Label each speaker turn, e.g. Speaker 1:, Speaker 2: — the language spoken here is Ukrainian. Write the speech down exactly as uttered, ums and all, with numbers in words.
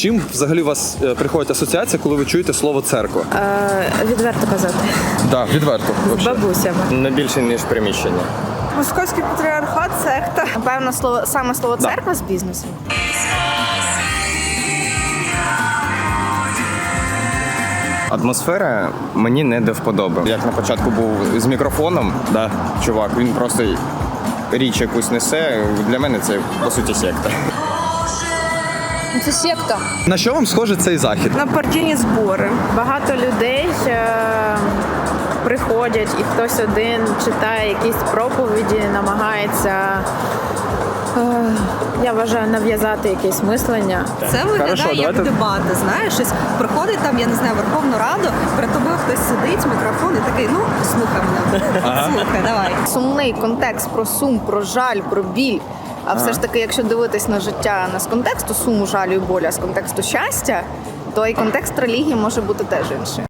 Speaker 1: чим взагалі у вас е, приходить асоціація, коли ви чуєте слово церква?
Speaker 2: Е, відверто казати.
Speaker 1: Так, да, відверто.
Speaker 2: З бабусями.
Speaker 3: Не більше, ніж приміщення.
Speaker 2: Московський патріархат, секта. Напевно, слово, саме слово
Speaker 1: Да.
Speaker 2: церква з бізнесом.
Speaker 3: Атмосфера мені не до вподоби. Як на початку був з мікрофоном, да, чувак, він просто річ якусь несе. Для мене це, по суті, секта.
Speaker 4: Це секта.
Speaker 1: На що вам схоже цей захід?
Speaker 2: На партійні збори. Багато людей е- приходять, і хтось один читає якісь проповіді, намагається, е- я вважаю, нав'язати якесь мислення.
Speaker 5: Це виглядає
Speaker 1: Хорошо,
Speaker 5: як
Speaker 1: давайте-
Speaker 5: дебати, знаєш, щось приходить там, я не знаю, Верховну Раду, перед тобою хтось сидить, мікрофон і такий, ну, слухай мене, слухай, давай.
Speaker 2: Сумний контекст про сум, про жаль, про біль. А все ж таки, якщо дивитись на життя не з контексту суму, жалю і болю, а з контексту щастя, то і контекст релігії може бути теж інший.